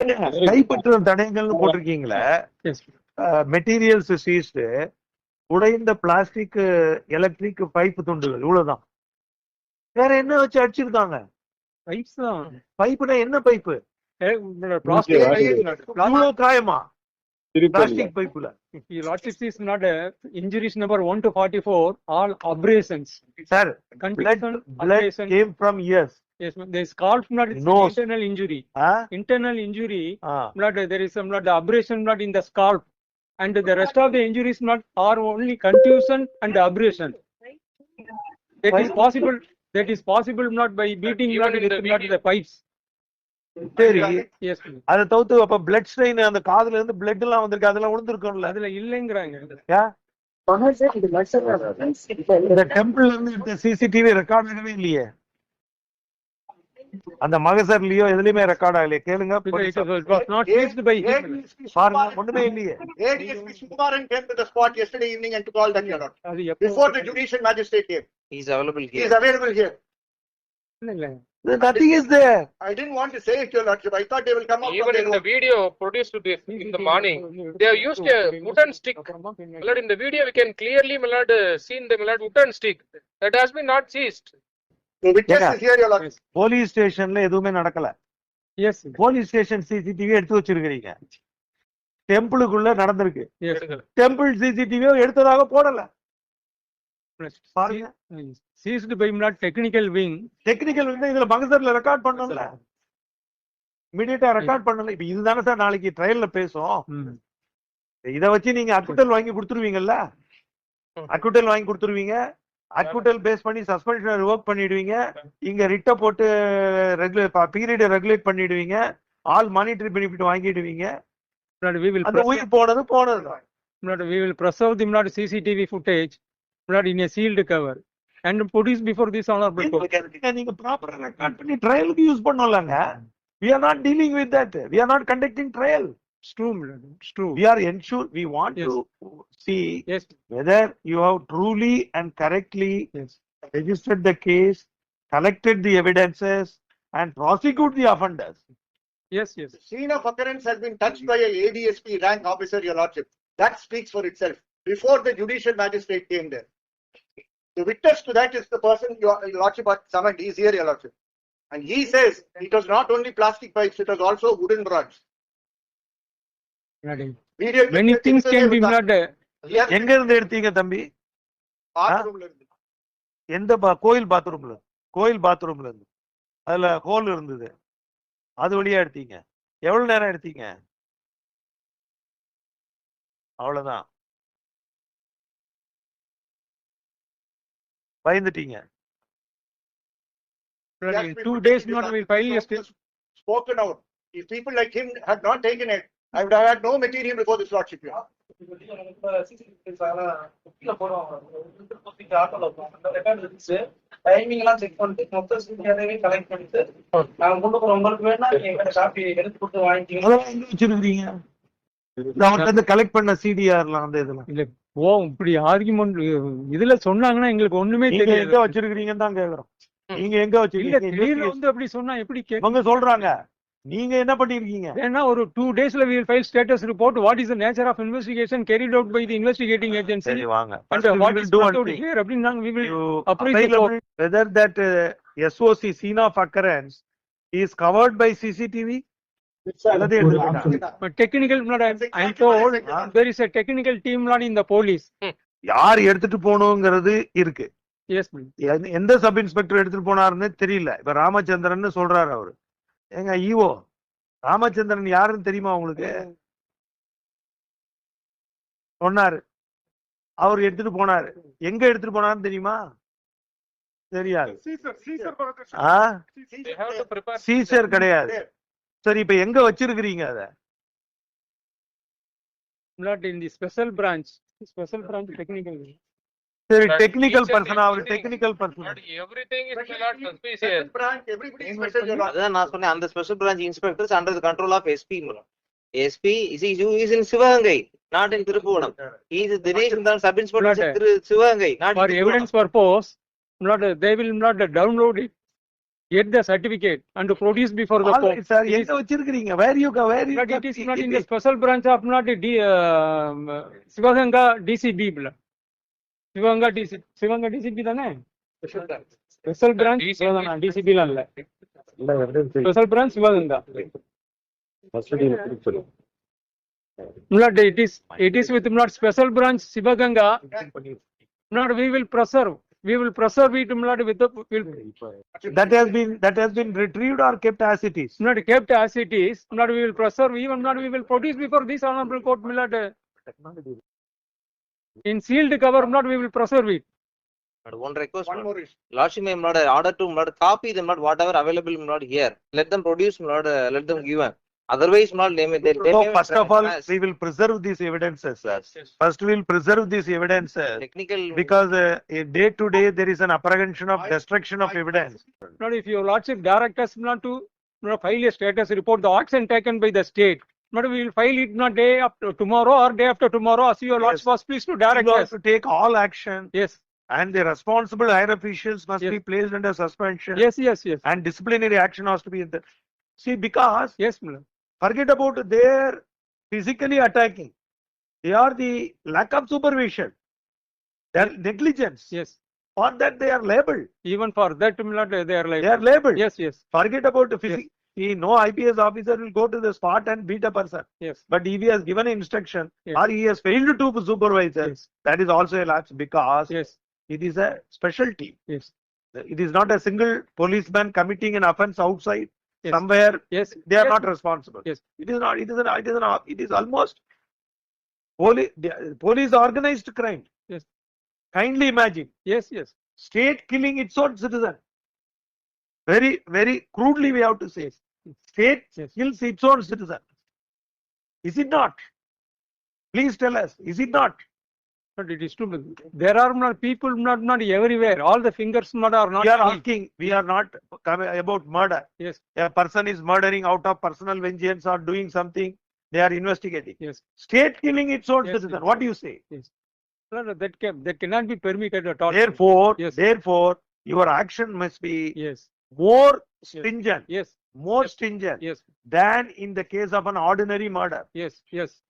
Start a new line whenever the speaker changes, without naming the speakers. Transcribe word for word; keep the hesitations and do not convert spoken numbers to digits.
கைப்பற்றும் தடயங்கள்னு போட்டிருக்கீங்களே, மெட்டீரியல்ஸ் சீஸ்டு, உடைந்த பிளாஸ்டிக் எலக்ட்ரிக் பைப் துண்டுகள், இவ்வளவுதான். வேற என்ன வச்சு அடிச்சிருக்காங்க?
பைப்ஸ் தான்.
பைப்புனா என்ன பைப்பு?
பிளாஸ்டிக்
காயமா பிளாஸ்டிக் பைப்புல?
Lordship is not a injuries number one to forty-four, all abrasions.
Sir, blood, blood
abrasion.
came from ears.
Yes, there is called not
Nose.
internal injury.
Huh?
Internal injury,
Ah.
not there is some not the abrasion not in the scalp, and the rest of the injuries not are only contusion and abrasion. That is possible. That is possible not by beating not with not the pipes.
சரி,
Yes.
அத தவிர்த்து அப்ப blood strain அந்த காதுல இருந்து blood எல்லாம் வந்திருக்கு, அதெல்லாம் விழுந்திருக்கும்ல?
அதுல இல்லங்கறாங்க.
இந்த டெம்பிள்ல இருந்து எடுத்த சிசிடிவி ரெக்கார்ட் ஆகவே இல்லையே, அந்த மகசர்லயோ எதுலயுமே ரெக்கார்ட் ஆகலையே. கேளுங்க, பாருங்க, ஒண்ணுமே இல்லையே.
A D S P Sukumaran came to the spot yesterday evening and took all that here. Before the judicial magistrate came.
He is available here.
He is available here.
Nothing is there.
I didn't want to say it, Your Lordship. I thought they will come up.
Even in the video produced this in the morning, they have used a wooden stick. Milord, in the video we can clearly, Milord, seen the Milord wooden stick that has been not seized.
The witness is here, Your Lordship.
Police ஸ்டேஷன்ல எதுவுமே நடக்கல.
Yes.
Police station CCTV எடுத்து வச்சிருக்கீங்க. டெம்பிளுக்குள்ள நடந்திருக்கு.
Yes.
Temple சிசிடிவியோ எடுத்ததாக போடல. பாருங்க,
seized by not technical wing.
Technical வந்து இதுல மகசர்ல ரெக்கார்ட் பண்ணல, இமிடியேட்டா ரெக்கார்ட் பண்ணல. இப்ப இதுதானே சார் நாளைக்கு ட்ரையல்ல பேசும். இத வச்சு நீங்க அக்குட்டல் வாங்கி கொடுத்துருவீங்கல்ல, அக்குட்டல் வாங்கி கொடுத்துருவீங்க, அக்குட்டல் பேஸ் பண்ணி சஸ்பென்ஷன் ரிவோக் பண்ணிடுவீங்க, இங்க ரிட்ட போட்டு ரெகுலேட் பீரியட் ரெகுலேட் பண்ணிடுவீங்க, ஆல் மானிட்டரி பெனிஃபிட் வாங்கிடுவீங்க.
We will
அந்த உயிர் போனது போனது.
We will preserve the not C C T V footage not in a sealed cover and produce before this honorable court.
நீங்க ப்ராப்பரா ரெக்கார்ட் பண்ணி ட்ரையலுக்கு யூஸ் பண்ணலாங்க. We are not dealing with that. We are not conducting trial.
It's true, it's true.
We are ensure we want
Yes.
to see
Yes.
whether you have truly and correctly
Yes.
registered the case, collected the evidences, and prosecute the offenders.
Yes, yes.
The scene of occurrence has been touched by a A D S P rank officer, Your Lordship. That speaks for itself. Before the judicial magistrate came there. The witness to that is the person Your Lordship had summoned. He is here, Your Lordship. And he says it was not only plastic pipes, it was also wooden rods. Video
Many things can be not.
எங்க இருந்து எடுத்தீங்க தம்பி?
bathroom la irundhu.
எந்த கோயில் பாத்ரூம்ல? கோயில் பாத்ரூம்ல இருந்து. அதுல ஹோல் இருந்தது, அது வழியா எடுத்தீங்க. எவ்வளவு நேரம் எடுத்தீங்க? அவ்வளவுதான். பயந்துட்டீங்க.
Two days not will file yesterday.
Spoken out. If people like him had not taken it, I would have had no material before this Lordship.
Timing எல்லாம் செக் பண்ணிட்டு மொத்த சிசிடிவி கலெக்ட் பண்ணிட்டு நாங்க கொண்டு போறோம். உங்களுக்கு வேணா எங்க காப்பி எடுத்து கொடுத்து வாங்கிட்டீங்க.
அதெல்லாம் எங்க வச்சிருக்கீங்க? அவர்கிட்ட இருந்து கலெக்ட் பண்ண சிடிஆர்லாம் அந்த இதெல்லாம்
இல்ல ஓ இப்படி ஆர்குமெண்ட் இதுல சொன்னாங்கன்னா எங்களுக்கு ஒண்ணுமே
நீங்க
தெரியாது.
எங்க வச்சிருக்கீங்கன்னு தான் கேக்குறோம். நீங்க எங்க
இல்ல
வச்சிருக்கீங்க?
திடீர்னு வந்து அப்படி சொன்னா எப்படி கே-
அவங்க சொல்றாங்க, நீங்க என்ன பண்ணிருக்கீங்க?
ஏன்னா ஒரு டூ டேஸ்ல we will file status report what is the nature of investigation carried out by the investigating agency
சரி வாங்க.
and
First we
what
will
is
do
brought
one
out
thing.
here அப்படின்னு நாங்க we will
You
appraise the
available
court.
whether that uh, S O C scene of occurrence is covered by C C T V. அல்லது எடுத்துக்கிட்டாங்க.
But technical not I am told there is a technical team not in the police.
யார் எடுத்துட்டு போகணுங்கிறது இருக்கு.
Yes please.
எந்த- எந்த sub inspector எடுத்துட்டு போனாருன்னு தெரியல. இப்ப ராமச்சந்திரன் சொல்றாரு அவரு. எங்க ஈஓ ராமச்சந்திரன் யாருன்னு தெரியுமா உங்களுக்கு? சொன்னாரு. அவர் எடுத்துட்டு போனாரு. எங்க எடுத்துட்டு போனாருன்னு தெரியுமா? தெரியாது. ஆ?
They have to prepare.
Seizure கிடையாது. சரி, இப்ப எங்க வச்சிருக்கிறீங்க அத?
Not in the special branch. Special branch technical.
சரி,
But
டெக்னிக்கல்
each and
பர்சனா அவர்
everything-
technical person.
Milord, everything is Milord suspicious.
Special branch, everybody is special, Your Lordship.
அதான் நான் சொன்னேன், அந்த special branch inspectors under the control of SP. SP is is in Sivaganga, not in Thiruppuvanam. He is Dinesh Nandhan, sub inspector திரு Sivaganga, not
For
in
evidence purpose, not they will not download it get the certificate and produce before the
All
court.
right, sir.
It is-
எங்க வச்சிருக்கீங்க? Where you go? Where you
But
kept
it is
it?
not in
It
the
is-
special branch of not the D, um, Sivaganga D C B. bla. Sivaganga D C, Sivaganga D C B தானே? Special branch
D C B.
Sivaganga, D C B ல இல்ல. Special branch Sivaganga. Not it is, it is with not special branch Sivaganga. Not we will preserve, we will preserve it not with the, will
That has been, that has been retrieved or kept as it is?
not kept as it is, not we will preserve, even not we will produce before this honorable court, Milad. In sealed cover, not we will preserve it.
But one request,
One more issue.
Lordship may not order to not copy them, not whatever available not here. Let them produce, not uh, let them give. Otherwise, not they may. They, they
So
may
first of all,
transgress.
we will preserve these evidences, sir. First, we will preserve these evidences
Technical.
because uh, in day to day, there is an apprehension of destruction of evidence.
Not if your lordship direct us not to not file a status report, the action taken by the state. Not we will file it not day after tomorrow or day after tomorrow, as your lordship
Yes.
was pleased to direct
You
us.
have to take all action
Yes,
and the responsible higher officials must
Yes.
be placed under suspension
yes, yes, yes,
and disciplinary action has to be in the. See, because
yes, Milad.
forget about their physically attacking. They are the lack of supervision. Their negligence.
Yes.
For that they are labeled.
Even for that, Milad, they are like,
They are labeled.
yes, yes,
Forget about the physics. See, no I P S officer will go to the spot and beat a person.
yes,
But if he has given instruction
Yes.
or he has failed to supervise, us,
yes,
that is also a lapse because
yes,
it is a special team.
yes,
It is not a single policeman committing an offense outside
Yes.
somewhere.
yes.
They are
yes,
not responsible.
Yes.
It is not. It is an. It is an. It is almost police. Police organized crime.
Yes.
Kindly imagine
Yes, yes,
state killing its own citizen. Very, very crudely we have to say. State
Yes.
kills its own citizen. Is it not? Please tell us. Is it not?
but it is true. There are not people, not, not everywhere. All the fingers not are not.
We are
equal.
asking. We are not coming about murder.
Yes,
A person is murdering out of personal vengeance or doing something. They are investigating.
yes.
State killing its own
Yes,
citizen.
yes.
What do you say?
No, no, that can, that cannot be permitted at all.
Therefore,
Yes.
therefore, your action must be
Yes,
more stringent,
yes,
more stringent
yes,
than in the case of an ordinary murder.
yes, yes,